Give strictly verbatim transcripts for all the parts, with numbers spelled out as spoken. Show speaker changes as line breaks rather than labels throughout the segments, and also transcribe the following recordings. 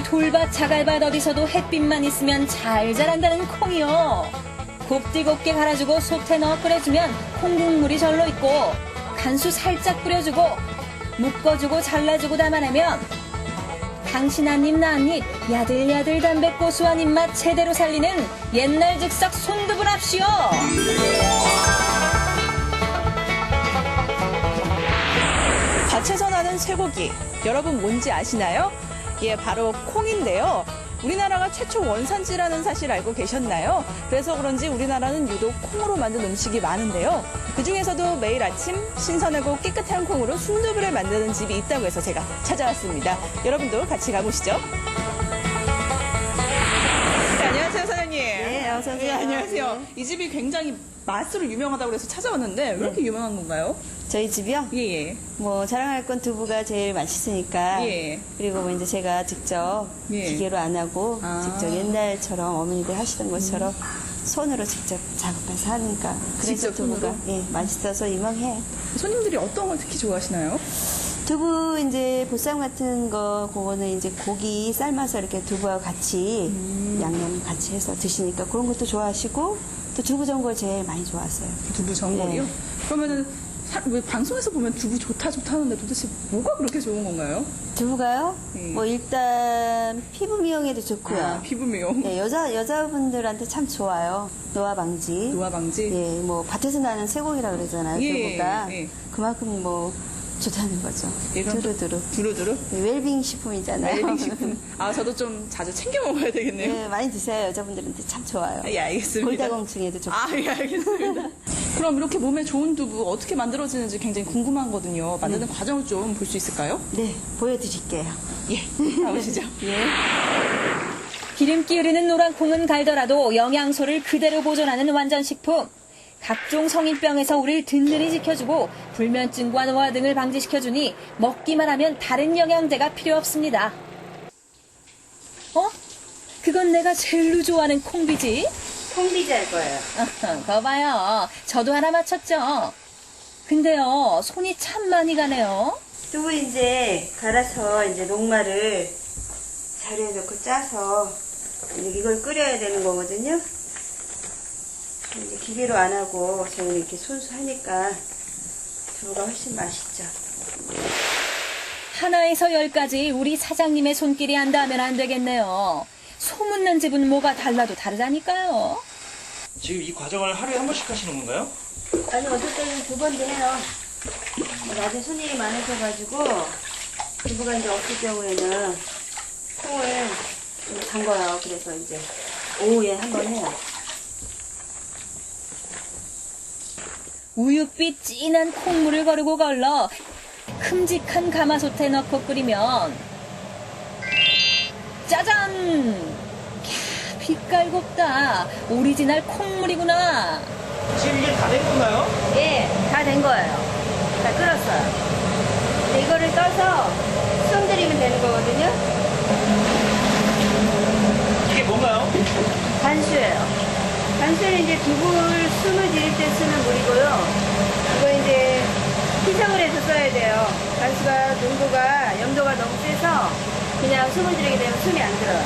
이 돌밭 자갈밭 어디서도 햇빛만 있으면 잘 자란다는 콩이요. 곱디곱게 갈아주고 솥에 넣어 끓여주면 콩국물이 절로 있고 간수 살짝 뿌려주고 묶어주고 잘라주고 담아내면 당신 한 입 나 한 입 야들야들 담백 고소한 입맛 제대로 살리는 옛날 즉석 손두부랍시오.
밭에서 나는 쇠고기, 여러분 뭔지 아시나요? 예, 바로 콩인데요. 우리나라가 최초 원산지라는 사실 알고 계셨나요? 그래서 그런지 우리나라는 유독 콩으로 만든 음식이 많은데요. 그중에서도 매일 아침 신선하고 깨끗한 콩으로 순두부를 만드는 집이 있다고 해서 제가 찾아왔습니다. 여러분도 같이 가보시죠. 네, 안녕하세요, 사장님.
네, 어서 오세요.
네, 안녕하세요. 이 집이 굉장히 맛으로 유명하다고 해서 찾아왔는데 왜 이렇게 유명한 건가요?
저희 집이요?
예, 예.
뭐 자랑할 건 두부가 제일 맛있으니까.
예.
그리고 뭐 이제 제가 직접
예.
기계로 안 하고
아.
직접 옛날처럼 어머니들 하시던 것처럼 손으로 직접 작업해서 하니까 그래서
직접
두부가
손으로?
예, 맛있어서 유명해요.
손님들이 어떤 걸 특히 좋아하시나요?
두부 이제 보쌈 같은 거 그거는 이제 고기 삶아서 이렇게 두부하고 같이
음.
양념 같이 해서 드시니까 그런 것도 좋아하시고 또 두부 전골 제일 많이 좋아하세요.
두부 전골이요?
네.
그러면은 사- 왜 방송에서 보면 두부 좋다 좋다 하는데 도대체 뭐가 그렇게 좋은 건가요?
두부가요?
네.
뭐 일단 피부 미용에도 좋고요.
아, 피부 미용,
예, 여자 여자분들한테 참 좋아요. 노화 방지.
노화 방지.
예, 뭐 밭에서 나는 쇠고기라 그러잖아요.
예,
두부가
예.
그만큼 뭐 좋다는 거죠.
예, 그럼
두루두루.
두루두루.
예, 웰빙 식품이잖아요.
웰빙 식품. 아, 저도 좀 자주 챙겨 먹어야 되겠네요.
예, 많이 드세요. 여자분들한테 참 좋아요.
예, 알겠습니다.
골다공증에도 좋고.
아, 예, 알겠습니다. 그럼 이렇게 몸에 좋은 두부 어떻게 만들어지는지 굉장히 궁금하거든요. 만드는 과정을 좀 볼 수 있을까요?
네, 보여드릴게요.
예, 가보시죠.
예.
기름기 흐르는 노란 콩은 갈더라도 영양소를 그대로 보존하는 완전식품. 각종 성인병에서 우리를 든든히 지켜주고 불면증과 노화 등을 방지시켜주니 먹기만 하면 다른 영양제가 필요 없습니다. 어? 그건 내가 제일로 좋아하는 콩비지?
콩비지 할 거예요.
거 봐요. 저도 하나 맞췄죠. 근데요, 손이 참 많이 가네요.
두부 이제 갈아서 이제 녹말을 자루에 넣고 짜서 이제 이걸 끓여야 되는 거거든요. 이제 기계로 안 하고 저는 이렇게 손수 하니까 두부가 훨씬 맛있죠.
하나에서 열까지 우리 사장님의 손길이 안 닿으면 안 되겠네요. 소문난 집은 뭐가 달라도 다르다니까요.
지금 이 과정을 하루에 한 번씩 하시는 건가요?
아니 어떨 때는 두 번도 해요. 낮에 손님이 많으셔가지고 두부가 이제 없을 경우에는 콩을 좀 담궈요. 그래서 이제 오후에 한 번 해요.
우윳빛 진한 콩물을 거르고 걸러 큼직한 가마솥에 넣고 끓이면 짜잔! 캬, 빛깔 곱다. 오리지널 콩물이구나.
지금 이게 다 된 건가요?
예, 다 된 거예요. 다 끓었어요. 이제 이거를 떠서 숨 들이면 되는 거거든요.
이게 뭔가요?
간수예요. 간수는 이제 두부를 숨을 들일 때 쓰는 물이고요. 이거 이제 희석을 해서 써야 돼요. 간수가 농도가, 염도가 너무 세서 그냥 숨을 들이게 되면 숨이 안 들어요.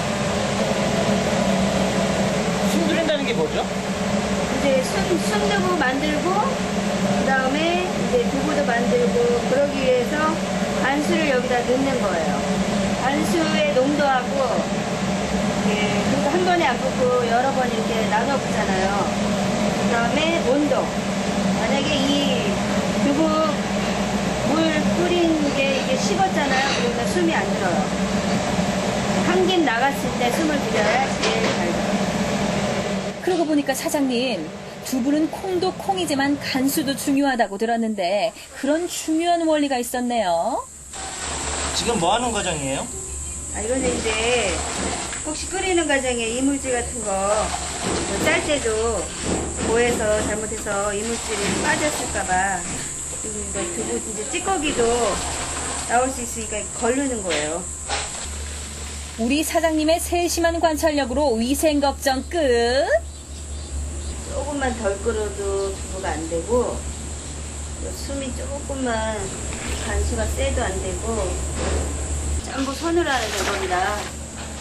숨 들인다는 게 뭐죠?
이제 순, 순두부 만들고, 그 다음에 이제 두부도 만들고, 그러기 위해서 간수를 여기다 넣는 거예요. 간수의 농도하고, 예, 그리고 한 번에 안 붓고 여러 번 이렇게 나눠 붓잖아요. 그 다음에 온도. 만약에 이 두부 물 끓인 게 이게 식었잖아요. 그러면 숨이 안 들어요. 한김 나갔을 때 숨을 들여야 제일 잘 들어요.
그러고 보니까 사장님, 두부는 콩도 콩이지만 간수도 중요하다고 들었는데 그런 중요한 원리가 있었네요.
지금 뭐 하는 과정이에요?
아, 이거는 이제 혹시 끓이는 과정에 이물질 같은 거 짤 때도 고해서 잘못해서 이물질이 빠졌을까봐 그리고 이거 두부 이제 찌꺼기도 나올 수 있으니까 걸르는 거예요.
우리 사장님의 세심한 관찰력으로 위생 걱정 끝.
조금만 덜 끓어도 두부가 안 되고 숨이 조금만 간수가 세도 안 되고 전부 손으로 하는 겁니다.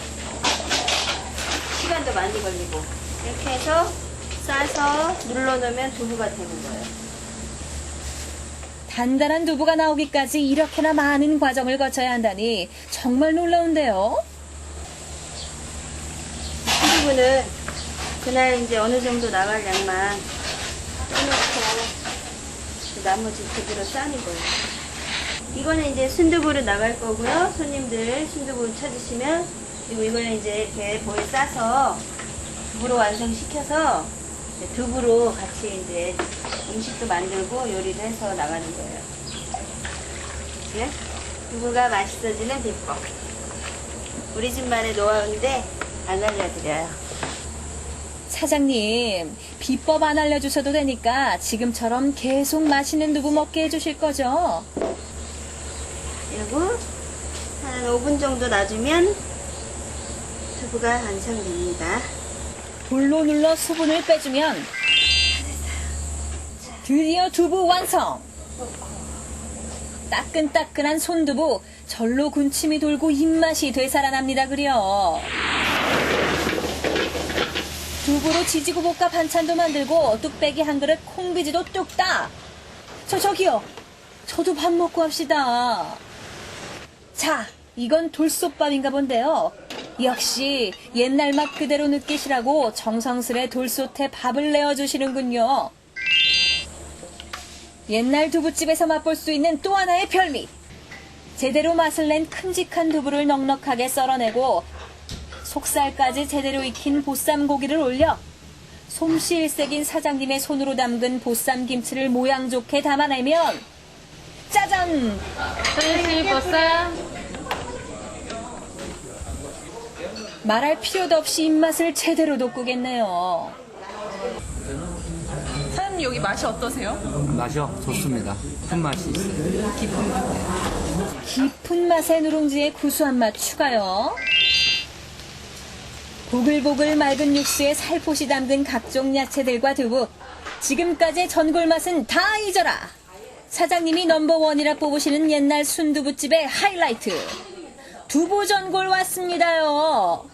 많이 걸리고. 이렇게 해서 싸서 눌러놓으면 두부가 되는 거예요.
단단한 두부가 나오기까지 이렇게나 많은 과정을 거쳐야 한다니 정말 놀라운데요.
순두부는 그날 이제 어느 정도 나갈 양만 떠놓고 나머지 그대로 싸는 거예요. 이거는 이제 순두부로 나갈 거고요. 손님들 순두부 찾으시면, 그리고 이거는 이제 이렇게 보에 싸서 두부로 완성시켜서 이제 두부로 같이 이제 음식도 만들고 요리도 해서 나가는 거예요. 그치? 두부가 맛있어지는 비법. 우리 집만의 노하우인데 안 알려드려요.
사장님, 비법 안 알려주셔도 되니까 지금처럼 계속 맛있는 두부 먹게 해주실 거죠?
그리고 한 오 분 정도 놔주면 두부가 완성됩니다.
돌로 눌러 수분을 빼주면 드디어 두부 완성! 따끈따끈한 손두부, 절로 군침이 돌고 입맛이 되살아납니다 그려. 두부로 지지고 볶아 반찬도 만들고 뚝배기 한 그릇 콩비지도 뚝딱. 저 저기요. 저도 밥 먹고 합시다. 자, 이건 돌솥밥인가 본데요. 역시 옛날 맛 그대로 느끼시라고 정성스레 돌솥에 밥을 내어주시는군요. 옛날 두부집에서 맛볼 수 있는 또 하나의 별미. 제대로 맛을 낸 큼직한 두부를 넉넉하게 썰어내고 속살까지 제대로 익힌 보쌈 고기를 올려 솜씨 일색인 사장님의 손으로 담근 보쌈 김치를 모양 좋게 담아내면 짜잔!
선생님 보쌈.
말할 필요도 없이 입맛을 제대로 돋구겠네요.
사장님 여기 맛이 어떠세요?
맛이요? 좋습니다. 큰 맛이 있어요.
깊은 맛.
깊은 맛의 누룽지에 구수한 맛 추가요. 보글보글 맑은 육수에 살포시 담근 각종 야채들과 두부. 지금까지의 전골 맛은 다 잊어라. 사장님이 넘버원이라 뽑으시는 옛날 순두부집의 하이라이트. 두부 전골 왔습니다요.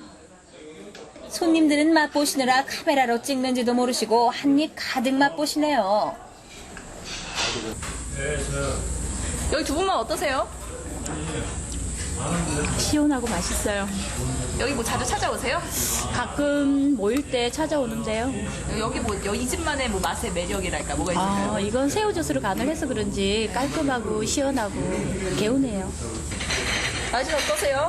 손님들은 맛보시느라 카메라로 찍는지도 모르시고 한입 가득 맛보시네요.
여기 두부만 어떠세요?
시원하고 맛있어요.
여기 뭐 자주 찾아오세요?
가끔 모일 때 찾아오는데요.
여기 뭐 이 집만의 뭐 맛의 매력이랄까 뭐가 있을까요?
아, 이건 새우젓으로 간을 해서 그런지 깔끔하고 시원하고 개운해요.
맛이 어떠세요?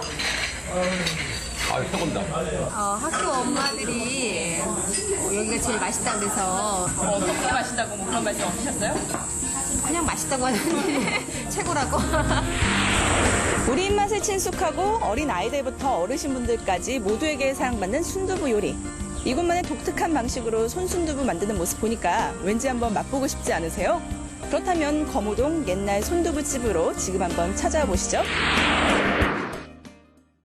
어, 학교 엄마들이 어, 여기가 제일 맛있다 그래서
어, 어떻게 맛있다고 뭐 그런 말씀 없으셨어요?
그냥 맛있다고 하는데 최고라고.
우리 입맛에 친숙하고 어린 아이들부터 어르신분들까지 모두에게 사랑받는 순두부 요리. 이곳만의 독특한 방식으로 손순두부 만드는 모습 보니까 왠지 한번 맛보고 싶지 않으세요? 그렇다면 거무동 옛날 손두부집으로 지금 한번 찾아보시죠.